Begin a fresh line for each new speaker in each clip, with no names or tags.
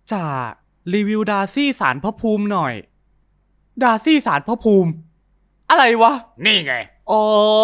จะรีวิวดาร์ซี่ศาลพระภูมิหน่อยดาร์ซี่ศาลพระภูมิอะไรวะ
นี่ไง
อ๋อ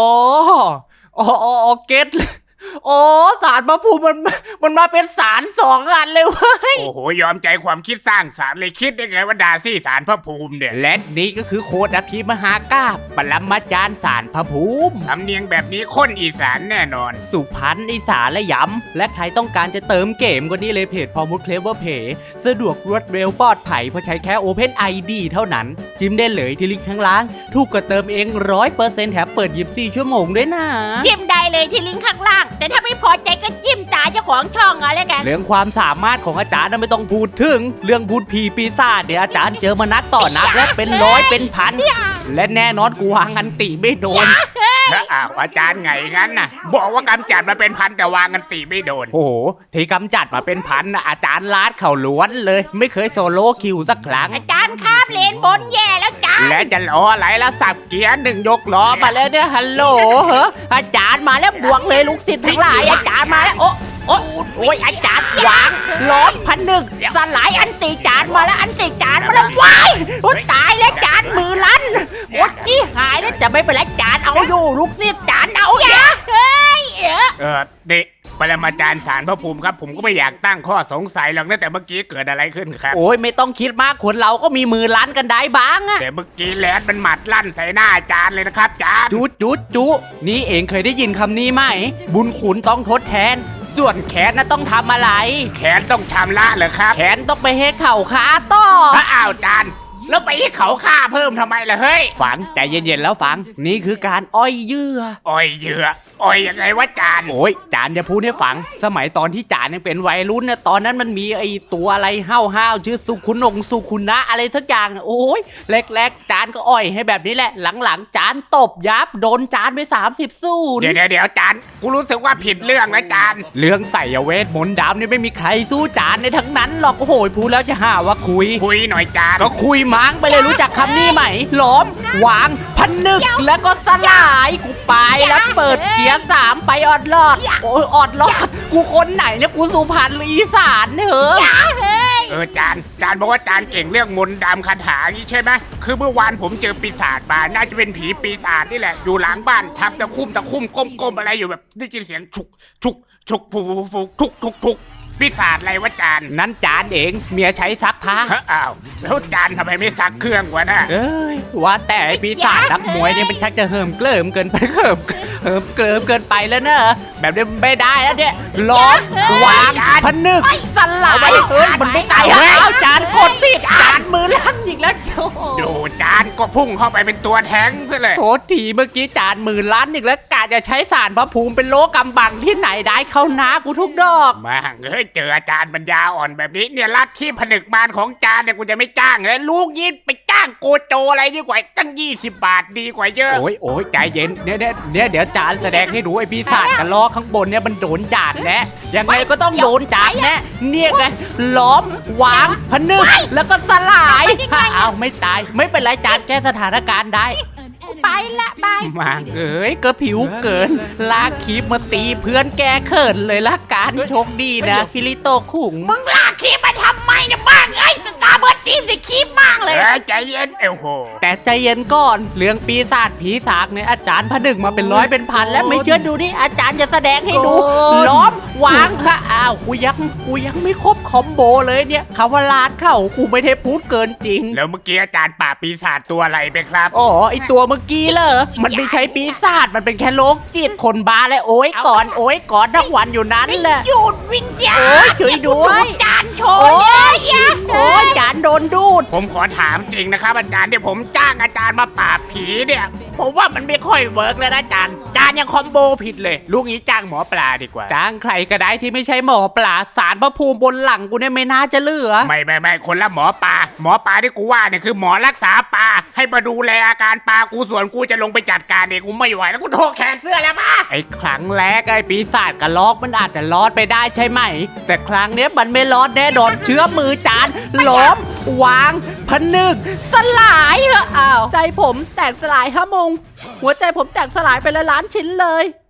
เก็ตโอ้ศาลพระภูมิมันมาเป็นศาลสองอันเลยเว้ย
โอ้โหยอมใจความคิดสร้างสรรค์เลยคิดได้ไงว่าดาร์ซี่ศาลพระภูมิเนี่ย
และนี่ก็คือโคดอภิมหากาพย์ปรมาจารย์ศาลพระภูมิ
สำเนียงแบบนี้คนอีสานแน่นอน
สุพรรณอีสานและย้ำและใครต้องการจะเติมเกมก็นี่เลยเพจพอมุดเคลเวอร์เพย์สะดวกรวดเร็วปลอดภัยเพราะใช้แค่ Open ID เท่านั้นจิ้มได้เลยที่ลิงก์ข้างล่างถูกกว่าเติมเอง 100% แถมเปิด24 ชั่วโมงด้วยนะ
จิ้มได้เลยที่ลิงก์ข้างล่างแต่ถ้าไม่พอใจก็จิ้มตาเจ้าของช่องอะไรกัน
เรื่องความสามารถของอาจารย์ไม่ต้องพูดถึงเรื่องพูดผีปีศาจเดี๋ยวอาจารย์เจอมานักต่อนักและเป็นร้อยเป็นพันและแน่นอนกูวางอันติไม่โดน
อ้าวอาจารย์ไงงั้นน่ะบอกว่ากำจัดมาเป็นพันแต่วางอันติไม่โดน
โอ้โหที่กำจัดมาเป็นพันนะอาจารย์ลาดเข่าล้วนเลยไม่เคยโซโล่คิวสักครั้ง
อาจารย์ข้ามเลนบนแย่แล้วจ้า
และจะรออะไรละสับเกียร์หนึ่งยกล้อ
มาแล้วเนี่ยฮัลโหลเหรออาจารย์มาแล้วบวกเลยลูกศิษย์ทั้งหลายอาจารย์มาแล้วโอ้ยอาจารย์วางล้อมพันหนึ่งสลายอันติจานมาแล้วอันติจานมาแล้วว้ายตายแล้วจานมือลั่นโอ้จี้หายแล้วจะไม่เป็นไรจานเอาอยู่ลูกศิษย์จานเอาอย่า
เฮ้ย
เด็กปรมาจารย์ศาลพระภูมิครับผมก็ไม่อยากตั้งข้อสงสัยหรอกนะแต่เมื่อกี้เกิดอะไรขึ้นครับ
โอ้ยไม่ต้องคิดมากคนเราก็มีมือลั่นกันได้บ้างอะ
แต่เมื่อกี้แลดมันหมัดลั่นใส่หน้าอาจารย์เลยนะครับจาน
จุนี่เองเคยได้ยินคำนี้ไหมบุญขุนต้องทดแทนส่วนแขนน่ะต้องทำอะไร
แขนต้องชำระเหรอครับ
แขนต้องไปให้เข่าขาต่อ
อ้าวจานแล้วไปให้เขาฆ่าเพิ่มทำไมล่ะเฮ้ย
ฟังใจเย็นๆแล้วฟังนี่คือการอ้อยเยื่อ
อ้อยยังไงวะจาน
โอ้ยจานจะพูดให้ฟังสมัยตอนที่จานยังเป็นวัยรุ่นเนี่ยตอนนั้นมันมีไอตัวอะไรห้าวชื่อสุขุนะอะไรสักอย่างโอ้ยแรกๆจานก็อ้อยให้แบบนี้แหละหลังๆจานตบยับโดนจานไป30 สู้
เดี๋ยวจานกูรู้สึกว่าผิดเรื่องนะจาน
เรื่องใส่เวทมนต์ดำนี่ไม่มีใครสู้จานในทั้งนั้นหรอกโอ้โหพูดแล้วจะหาว่าคุย
หน่อยจาน
ก็คุยมั้งไปเลยรู้จักคำนี้ไหมล้อมวางพันนึกแล้วก็สลายกูไปแล้วเปิดเกียร์3ไปออดรอดโอ้ยออดรอดกูคนไหนเนี่ยกูสุพรรณหรืออีสานเนี่ย
จานบอกว่าจานเก่งเรื่องมนต์ดำคาถานี่ใช่ไหมคือเมื่อวานผมเจอปีศาจมาน่าจะเป็นผีปีศาจนี่แหละอยู่หลังบ้านทำตะคุ่มก้มอะไรอยู่แบบได้ยินเสียงฉุกฟูทุกปีศาจอะไรวะจาน
นั้นจานเองเมียใช้ซักผ้า
อ้าวแล้วจานทำไมไม่ซักเครื่องวะน่ะ
ว่าแต่ปีศาจนักมวยเนี่ยมันชักจะเหิมเกลิมเกินไปเหิมเกลิมเกินไปแล้วเนอะแบบนี้ไม่ได้แล้วเนี่ยล้อมวางพนึกสลายมันไม่ตายแล้วจานกดผิดจานมือลั่นอีกแล้วโธ่
ดูจานก็พุ่งเข้าไปเป็นตัวแทงซะเลย
โทษทีเมื่อกี้จานมือลั่นอีกแล้วกะจะใช้ศาลพระภูมิเป็นโลกำบังที่ไหนได้เข้าหน้ากูทุกดอก
มาเจออาจารย์ปัญญาอ่อนแบบนี้เนี่ยลัดขี้ผนึกมารของจานเนี่ยกูจะไม่จ้างเลยลูกยินไปจ้างโกโจอะไรดีกว่าตั้ง20 บาทดีกว่าเยอะ
โอ้ยใจเย็นเนี่ยเดี๋ยวจานแสดงให้ดูไอ้ปีศาจกระลอกข้างบนเนี่ยมันโดนจานแน่ยังไงก็ต้องโดนจานแน่เนี่ยไงล้อมวางผนึกแล้วก็สลายอ้าวไม่ตายไม่เป็นไรจานแก้สถานการณ์ได้
ไปละไป
มาก็ผิวเกินลากคีบมาตีเพื่อนแกเขินเลยละกันโชคดีนะคิริโตะขุง
มึงลากคีบมาทำไมเนี่ยบ้างไอ้สตาร์เบิร์ดจีสิคีบมากเลย
ใจเย็นโห
แต่ใจเย็นก่อนเรื่องปีศาจผีสากเนี่ยอาจารย์ผนึกมาเป็นร้อยเป็นพันแล้วไม่เชื่อดูนี่อาจารย์จะแสดงให้ดูล้อมวางค่ะอ้าวกูยังไม่ครบคอมโบเลยเนี่ยคำว่าลาดเข้ากูไม่ได้พูดเกินจริง
แล้วเมื่อกี้อาจารย์ป่าปีศาจตัวอะไรไปครับ
อ๋อไอตัวเมื่อกี้เหรอมันไม่ใช่ปีศาจมันเป็นแค่โรคจิตคนบ้าเลยโอ้ยก่อนทั้งวันอยู่นั้นแหละ
หยุดวิญญาณ
โอ้ยช่วยด้วย
จานโชว์เนี่ย
โอ้ยจานโดนดูด
ผมขอถามจริงนะครับอาจารย์ที่ผมจ้างอาจารย์มาปราบผีเนี่ยผมว่ามันไม่ค่อยเวิร์กเลยนะอาจารย์ยังคอมโบผิดเลยลูกนี้จ้างหมอปลาดีกว่า
จ้างใครก็ได้ที่ไม่ใช่หมอปลาศาลพระภูมิบนหลังกูเนี่ยไม่น่าจะเหลือ
ไม่คนละหมอปลาที่กูว่าเนี่ยคือหมอรักษาปลาให้มาดูแลอาการปลากูส่วนกูจะลงไปจัดการเองกูไม่ไหวแล้วกูโถกแขนเสื้อแล้วมา
ไอ้ครั้งแรกไอ้ปีศาจกระลอกมันอาจจะรอดไปได้ใช่ไหมแต่ครั้งนี้มันไม่รอดแน่นอนเชื้อมือจานล้อมวางผนึกสลายอ้าวใจผมแตกสลายฮะมงหัวใจผมแตกสลายไปละล้านชิ้นเลย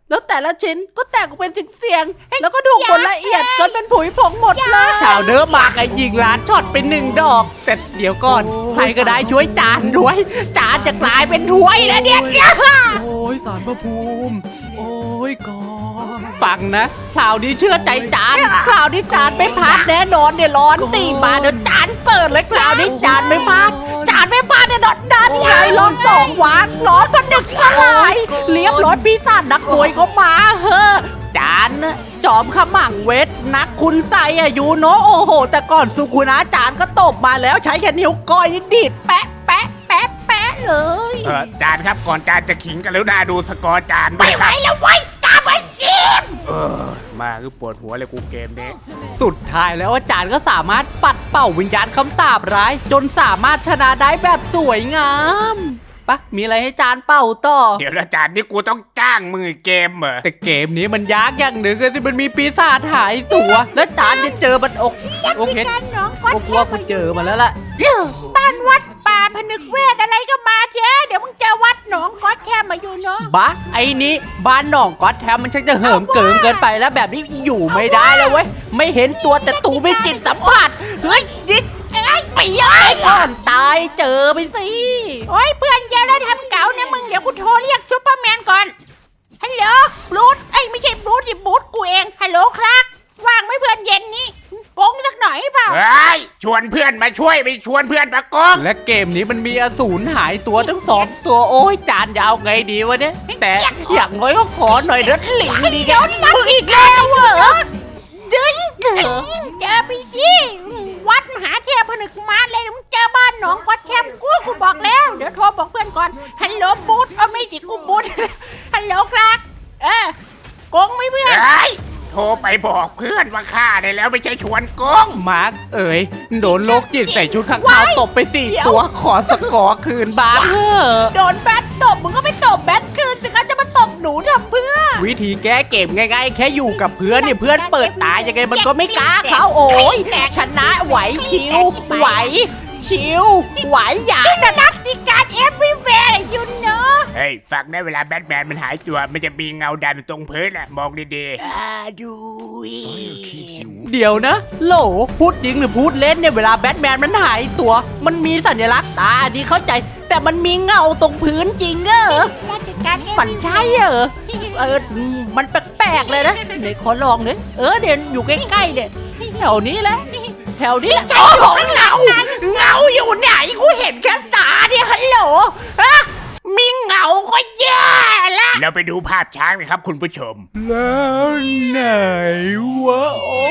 แล้วแต่ละชิ้นก็แตกออกเป็นเสียงๆแล้วก็ถูกบดละเอียดจนเป็นผุยผงหมดเลยชาวเนื้อมากไอ้ยิงล้านช็อตเป็น1 ดอกแต่เดี๋ยวก่อนใครก็ได้ช่วยจานด้วยจานจะกลายเป็นถ้วยแล้วเนี่ยโอ้ยสารพระภูมิโอ้ยก่อนฟังนะคราวนี้เชื่อใจจานคราวนี้จานไม่พลาดแน่นอนเนี่ยร้อนตีมาเดี๋ยวจานเปิดเลยคราวนี้จานไม่พลาดจานไม่พลาดเนี่ยดันใหญ่รอบ2วางร้อนผนึกสลายเรียบร้อยปีศาจนักมวยเขามาเฮ้อจานจอมขมังเวทนักคุณใส่อะยูโนโอ้โหแต่ก่อนสุขุนาจานก็ตบมาแล้วใช้แค่นิ้วก้อยนี่ดีดแปะแปะแปะแปะเลย
จานครับก่อนจานจะขิงกันแล้วนาดูสกอร์จาน
ไม่ไหวแล้วไว้สตาร์บัคจิม
มาคือปวดหัวเลยกูเกมนี้
สุดท้ายแล้วอาจารย์ก็สามารถปัดเป่าวิญญาณคำสาปร้ายจนสามารถชนะได้แบบสวยงามปะมีอะไรให้จานเป่าต่อ
เดี๋ยวนะจานนี่กูต้องจ้างมือเกมเหรอ
แต่เกมนี้มันยากอย่างหนึ่งเลยที่มันมีปีศาจหายตัว แล้วจานจะเจอมันโอเค
การน้องก๊อต
กูว่ากูเจอมาแล้วล่ะ
บ้านวัดป่าผนึกเวทอะไรก็มาเจ๊เดี๋ยวมึงเจอวัดหนองก๊อตแค่มาอยู่เนาะ
บะไอ้นี้บ้านหนองก๊อตแทมมันช่างจะเหิมเกิมเกินไปแล้วแบบนี้อยู่ไม่ได้แล้วเว้ยไม่เห็นตัวแต่ตูไม่จิตสัมผัสเฮ้ยจิตไปย้ายก่อนตายเจอไปสิ
โอ้ยเพื่อนเยอะแล้วทำเก๋าเนี่ยมึงเดี๋ยวกูโทรเรียกซูเปอร์แมนก่อนฮัลโหลบลูดไม่ใช่บลูดสิบลูดกูเองฮัลโหลครับว่างไหมเพื่อนเย็นนี้โกงสักหน่อยเปล่า
เฮ้ยชวนเพื่อนมาช่วยไปชวนเพื่อนมากอง
และเกมนี้มันมีอสูรหายตัวทั้ง2 ตัวโอ้ยจานจะเอาไงดีวะเนี่ยแต่อย่างน้อยก็ขอหน่อยเด็ดหลิงดีแกมึงอีกแล้วเหรอ
ดึงเจอไปสิวัดมหาเทพผนึกมาเลยมึงเจอบ้านหนองก๊อตแคมกูบอกแล้วเดี๋ยวโทรบอกเพื่อนก่อนฮัลโหลบูธไม่สิกูบูธ ฮัลโหลครับโกงไหมเพื่อน
เฮ้ยโทรไปบอกเพื่อนว่าฆ่าได้แล้วไม่ใช่ชวนโกง
มาร์กเอ๋ยโดนโรคจิตใส่ชุดข้างคาวตบไป4 ตัวขอสกอร์คืนบ้างเถอะ
โดนแบทตบมึงก็ไปตบแบทคืนสิคะจะมาตบหนูทำเพื่อ
วิธีแก้เกมง่ายๆ แค่อยู่กับเพื่อนเนี่ยเพื่อนเปิดตายังไงมันก็ไม่กล้าเขาโอ้ยชนะไหวชิวไหวชิวไหวอย่า
คือนักติการ everywhere you know
เฮ้ยฟังได้เวลาแบทแมนมันหายตัวมันจะมีเงาดำตรงพื้นอ่ะมองดี
ดู
เดี๋ยวนะโหลพูดจริงหรือพูดเล่นเนี่ยเวลาแบทแมนมันหายตัว มันมีสัญลักษณ์ตาอันนี้เข้าใจ แต่มันมีเงาตรงพื้นจริงเหรอ
นักติการ
มันใช่เหรอมันแปลกๆเลยนะเดี๋ยวขอลองเลยเดี๋ยวอยู่ใกล้ๆเนี่ยแถวนี้แหละแถวนี้แหละโอ้โหเงาอยู่ไหนกูเห็นแค่ตาเนี่ยฮัลโหลฮะมีเงาก็แย่ละ
ๆเราไปดูภาพช้างนะครับคุณผู้ชม
แล้วไหนวะโอ้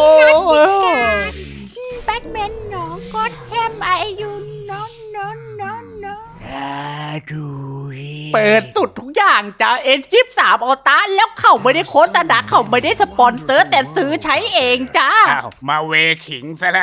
แบทแมนหนองก๊อตแคมyou know no no no
เปิดสุดทุกอย่างจาก N13 ออต้าแล้วเขาไม่ได้โฆษณาเขาไม่ได้สปอนเซอร์แต่ซื้อใช้เองจ้า
อ้าวมาเวขิงซะแล้ว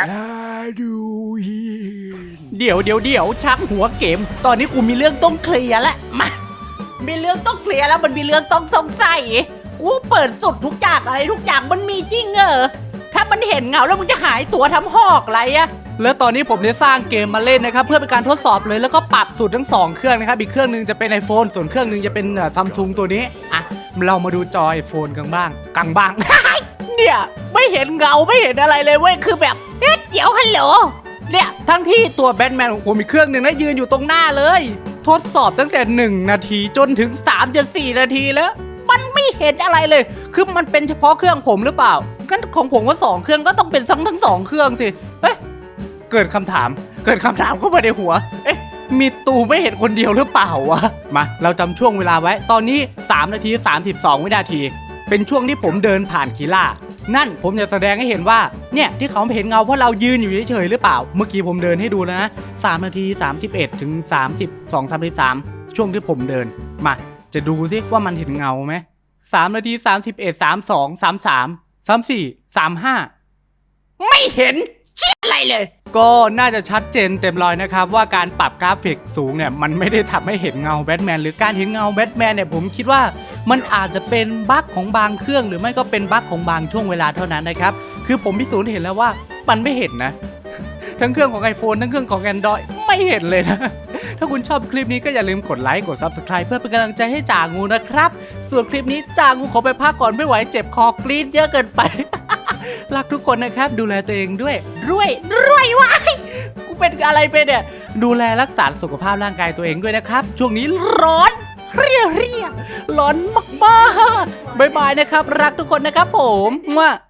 เดี๋ยวชักหัวเกม ตอนนี้กูมีเรื่องต้องเคลียร์แล้วมามีเรื่องต้องเคลียร์แล้วมันมีเรื่องต้องสงสัยกูเปิดสุดทุกอย่างอะไรทุกอย่างมันมีจริงถ้ามันเห็นเงาแล้วมันจะหายตัวทำหอกอะไรอะแล้วตอนนี้ผมได้สร้างเกมมาเล่นนะครับเพื่อเป็นการทดสอบเลยแล้วก็ปรับสูตรทั้ง2เครื่องนะครับอีกเครื่องนึงจะเป็น iPhone ส่วนเครื่องนึงจะเป็นซัมซุงตัวนี้อ่ะเรามาดูจอ iPhone กันบ้าง เนี่ยไม่เห็นเงาไม่เห็นอะไรเลยเว้ยคือแบบเดี๋ยวฮัลโหลเนี่ยทั้งที่ตัวแบทแมนของผมมีเครื่องหนึ่งนะยืนอยู่ตรงหน้าเลย ทดสอบตั้งแต่1 นาทีจนถึง3 จะ 4 นาทีแล้ว มันไม่เห็นอะไรเลย คือมันเป็นเฉพาะเครื่องผมหรือเปล่างั้นของผมก็2 เครื่องก็ต้องเป็นทั้ง2 เครื่องสิเอ๊ะเกิดคำถามเข้ามาในหัว เอ๊ะมีตูไม่เห็นคนเดียวหรือเปล่าวะมาเราจำช่วงเวลาไว้ตอนนี้3 นาที 32 วินาที เป็นช่วงที่ผมเดินผ่านคีล่านั่นผมจะแสดงให้เห็นว่าเนี่ยที่เขาไม่เห็นเงาเพราะเรายืนอยู่เฉยๆหรือเปล่าเมื่อกี้ผมเดินให้ดูแล้วนะ3 นาที 31 ถึง 32 33ช่วงที่ผมเดินมาจะดูซิว่ามันเห็นเงาไหม3 นาที 31 32 33 34 35ไม่เห็นเชี่ยอะไรเลย ก็น่าจะชัดเจนเต็มร้อยนะครับว่าการปรับกราฟิกสูงเนี่ยมันไม่ได้ทำให้เห็นเงาแบทแมนหรือการเห็นเงาแบทแมนเนี่ยผมคิดว่ามันอาจจะเป็นบั๊กของบางเครื่องหรือไม่ก็เป็นบั๊กของบางช่วงเวลาเท่านั้นนะครับคือผมพิสูจน์เห็นแล้วว่ามันไม่เห็นนะ ทั้งเครื่องของ iPhone ทั้งเครื่องของ Android ไม่เห็นเลยนะ
ถ้าคุณชอบคลิปนี้ก็อย่าลืมกดไลค์กด Subscribe เพื่อเป็นกำลังใจให้จ่างูนะครับส่วนคลิปนี้จ่างูขอไปพักก่อนไม่ไหวเจ็บคอกรีดเยอะเกินไป รักทุกคนนะครับดูแลตัวเองด้วยรวยไว้กูเป็นอะไรไปเนี่ยดูแลรักษาสุขภาพร่างกายตัวเองด้วยนะครับช่วงนี้ร้อนเรียร้อนมากๆบ๊ายบายนะครับรักทุกคนนะครับผม